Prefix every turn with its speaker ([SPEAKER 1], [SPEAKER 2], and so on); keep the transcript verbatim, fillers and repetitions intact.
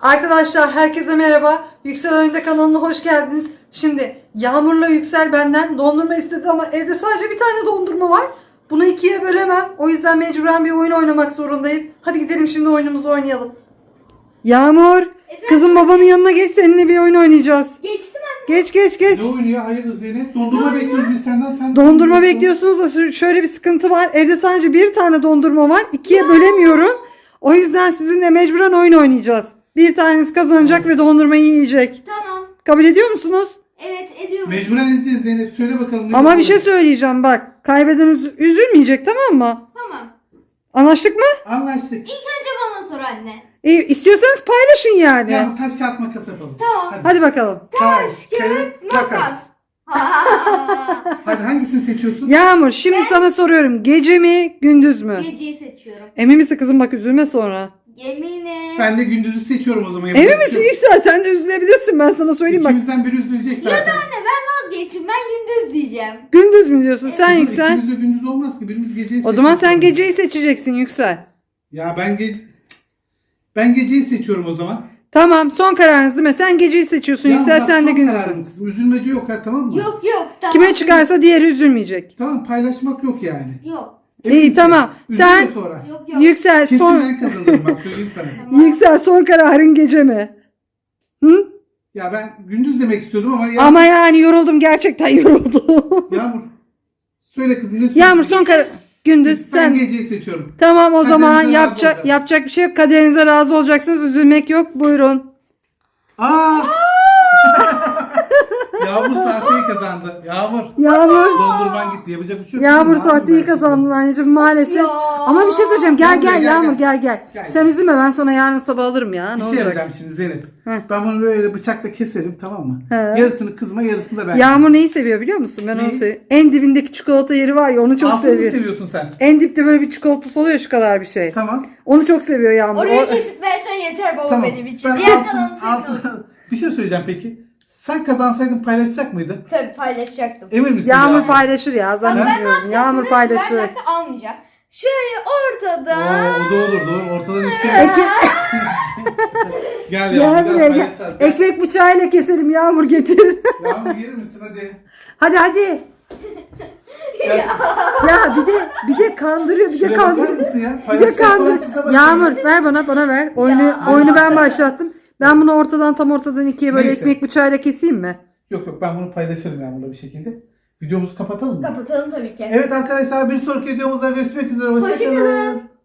[SPEAKER 1] Arkadaşlar herkese merhaba. Yüksel Oyunda kanalına hoş geldiniz. Şimdi Yağmur'la Yüksel benden dondurma istedi ama evde sadece bir tane dondurma var. Bunu ikiye bölemem. O yüzden mecburen bir oyun oynamak zorundayım. Hadi gidelim şimdi oyunumuzu oynayalım. Yağmur,
[SPEAKER 2] Efendim?
[SPEAKER 1] kızım babanın yanına geç, seninle bir oyun oynayacağız.
[SPEAKER 2] Geçtim anne.
[SPEAKER 1] Geç geç geç.
[SPEAKER 3] Ne oyunu ya? Hayırdır Zeynep? Dondurma bekliyoruz biz senden. Sen
[SPEAKER 1] Dondurma bekliyorsunuz da şu- şöyle bir sıkıntı var. Evde sadece bir tane dondurma var. İkiye bölemiyorum. O yüzden sizinle mecburen oyun oynayacağız. Bir taneniz kazanacak ve dondurmayı yiyecek.
[SPEAKER 2] Tamam.
[SPEAKER 1] Kabul ediyor musunuz?
[SPEAKER 2] Evet ediyorum.
[SPEAKER 3] Mecburen edeceğiz Zeynep. Söyle bakalım. ne
[SPEAKER 1] Ama bir
[SPEAKER 3] yapalım?
[SPEAKER 1] şey söyleyeceğim bak. Kaybeden üz- üzülmeyecek, tamam mı?
[SPEAKER 2] Tamam.
[SPEAKER 1] Anlaştık mı?
[SPEAKER 3] Anlaştık.
[SPEAKER 2] İlk önce bana sor anne.
[SPEAKER 1] İyi, istiyorsanız paylaşın yani.
[SPEAKER 3] Ya taş kağıt makas yapalım.
[SPEAKER 2] Tamam.
[SPEAKER 3] Hadi.
[SPEAKER 1] Hadi bakalım.
[SPEAKER 2] Taş, kağıt, makas.
[SPEAKER 3] Hadi hangisini seçiyorsun?
[SPEAKER 1] Yağmur, şimdi sana soruyorum. Gece mi, gündüz mü?
[SPEAKER 2] Geceyi seçiyorum.
[SPEAKER 1] Emin misin kızım, bak üzülme sonra.
[SPEAKER 2] Eminim.
[SPEAKER 3] Ben de gündüzü seçiyorum o zaman.
[SPEAKER 1] Emin
[SPEAKER 3] Yapacak
[SPEAKER 1] misin
[SPEAKER 3] bir şey yok.
[SPEAKER 1] Yüksel? Sen de üzülebilirsin, ben sana söyleyeyim bak.
[SPEAKER 3] İkimizden biri üzülecek zaten.
[SPEAKER 2] Ya da anne ben vazgeçtim. Ben gündüz diyeceğim.
[SPEAKER 1] Gündüz mü diyorsun sen
[SPEAKER 3] Kızım,
[SPEAKER 1] Yüksel?
[SPEAKER 3] İkimiz de gündüz olmaz ki. Birimiz geceyi
[SPEAKER 1] O zaman sen
[SPEAKER 3] seçiyoruz.
[SPEAKER 1] geceyi seçeceksin Yüksel.
[SPEAKER 3] Ya ben ge... Ben geceyi seçiyorum o zaman.
[SPEAKER 1] Tamam, son kararınız değil mi? Sen geceyi seçiyorsun
[SPEAKER 3] Ya
[SPEAKER 1] Yüksel,
[SPEAKER 3] bak,
[SPEAKER 1] sen de
[SPEAKER 3] son
[SPEAKER 1] gündüzsün.
[SPEAKER 3] kararım kızım. Üzülmece yok ha, tamam mı?
[SPEAKER 2] Yok yok tamam.
[SPEAKER 1] Kime çıkarsa diğeri üzülmeyecek.
[SPEAKER 3] Tamam, paylaşmak yok yani.
[SPEAKER 2] Yok.
[SPEAKER 3] Emin
[SPEAKER 1] İyi,
[SPEAKER 3] misin?
[SPEAKER 1] tamam.
[SPEAKER 3] Üzülme
[SPEAKER 1] Sen-
[SPEAKER 3] sonra.
[SPEAKER 2] Yok yok.
[SPEAKER 1] Yüksel
[SPEAKER 3] Kesin
[SPEAKER 1] son
[SPEAKER 3] ben kazanırım bak, söyleyeyim sana.
[SPEAKER 2] Tamam.
[SPEAKER 1] Yüksel son kararın gece mi? Hı?
[SPEAKER 3] Ya ben gündüz demek istiyordum ama ya...
[SPEAKER 1] Ama yani yoruldum, gerçekten yoruldum.
[SPEAKER 3] Yağmur. Söyle kızım, ne
[SPEAKER 1] Yağmur son karar gündüz
[SPEAKER 3] Ben
[SPEAKER 1] sen.
[SPEAKER 3] geceyi seçiyorum.
[SPEAKER 1] Tamam, o
[SPEAKER 3] Kaderinize
[SPEAKER 1] zaman
[SPEAKER 3] razı
[SPEAKER 1] yapacak
[SPEAKER 3] olacağız.
[SPEAKER 1] yapacak bir şey yok. Kaderinize razı olacaksınız. Üzülmek yok. Buyurun.
[SPEAKER 3] Aa! Yağmur sahteyi kazandı. Yağmur.
[SPEAKER 1] Yağmur.
[SPEAKER 3] Dondurman gitti. Yapacak bir şey yok.
[SPEAKER 1] Yağmur
[SPEAKER 3] Kızım,
[SPEAKER 1] sahteyi
[SPEAKER 3] ben-
[SPEAKER 1] kazandın anneciğim maalesef.
[SPEAKER 2] Ya.
[SPEAKER 1] Ama bir şey söyleyeceğim. Gel
[SPEAKER 3] Gel buraya,
[SPEAKER 1] gel
[SPEAKER 3] gel,
[SPEAKER 1] Yağmur
[SPEAKER 3] gel.
[SPEAKER 1] gel gel.
[SPEAKER 3] Gel,
[SPEAKER 1] Sen
[SPEAKER 3] gel.
[SPEAKER 1] üzülme, ben sana yarın sabah alırım ya.
[SPEAKER 3] Bir
[SPEAKER 1] Ne
[SPEAKER 3] şey
[SPEAKER 1] olacak?
[SPEAKER 3] yapacağım şimdi Zeynep.
[SPEAKER 1] Heh.
[SPEAKER 3] Ben bunu böyle bıçakla keserim, tamam mı?
[SPEAKER 1] He.
[SPEAKER 3] Yarısını kızma, yarısını da ben.
[SPEAKER 1] Yağmur neyi seviyor biliyor musun? Ben onu
[SPEAKER 3] Neyi?
[SPEAKER 1] seviyorum. En dibindeki çikolata yeri var ya, onu çok
[SPEAKER 3] Altını mı
[SPEAKER 1] seviyor.
[SPEAKER 3] seviyorsun sen?
[SPEAKER 1] En dipte böyle bir çikolatası oluyor, şu kadar bir şey.
[SPEAKER 3] Tamam.
[SPEAKER 1] Onu çok seviyor Yağmur.
[SPEAKER 2] Orayı
[SPEAKER 1] O-
[SPEAKER 2] kesip versen yeter baba
[SPEAKER 3] Tamam.
[SPEAKER 2] benim için.
[SPEAKER 3] Ben
[SPEAKER 2] Diğer
[SPEAKER 3] altın,
[SPEAKER 2] kalanı senin olsun.
[SPEAKER 3] altın... Bir şey söyleyeceğim peki. Sen kazansaydın paylaşacak mıydın?
[SPEAKER 2] Tabii paylaşacaktım.
[SPEAKER 3] Emin misin?
[SPEAKER 1] Yağmur
[SPEAKER 3] Yağmur?
[SPEAKER 1] paylaşır ya,
[SPEAKER 2] Bak ben ne
[SPEAKER 1] zannetmiyorum.
[SPEAKER 2] yapacaktım?
[SPEAKER 1] Yağmur
[SPEAKER 2] biliyor musun?
[SPEAKER 1] paylaşır.
[SPEAKER 2] Ben dakika almayacağım. Şöyle ortada.
[SPEAKER 3] Oo, o da olur, doğru. Ortadan iki.
[SPEAKER 1] Eki,
[SPEAKER 3] Gel
[SPEAKER 1] gel
[SPEAKER 3] Yağmur,
[SPEAKER 1] buraya
[SPEAKER 3] gel
[SPEAKER 1] gel.
[SPEAKER 3] paylaşacağız. Gel.
[SPEAKER 1] Ekmek bıçağıyla keselim, Yağmur getir.
[SPEAKER 3] Yağmur gelir misin hadi?
[SPEAKER 1] Hadi hadi.
[SPEAKER 3] Gel.
[SPEAKER 1] Ya bir de bir de kandırıyor, bir de
[SPEAKER 3] Şuraya bakar
[SPEAKER 1] kandırıyor.
[SPEAKER 3] mısın ya?
[SPEAKER 1] Bir de
[SPEAKER 3] Paylaşacak olan kıza
[SPEAKER 1] kandır.
[SPEAKER 3] bak.
[SPEAKER 1] Yağmur ver bana, bana ver. Oyunu
[SPEAKER 2] Ya,
[SPEAKER 1] oyunu ben
[SPEAKER 2] Allah.
[SPEAKER 1] başlattım. Ben bunu ortadan tam ortadan ikiye böyle
[SPEAKER 3] Neyse.
[SPEAKER 1] ekmek bıçağıyla keseyim mi?
[SPEAKER 3] Yok yok, ben bunu paylaşırım Yağmur'la bir şekilde. Videomuzu kapatalım mı?
[SPEAKER 2] Kapatalım tabii ki.
[SPEAKER 3] Evet arkadaşlar, bir sonraki videomuzda görüşmek üzere. Hoşçakalın.
[SPEAKER 2] Hoşçakalın.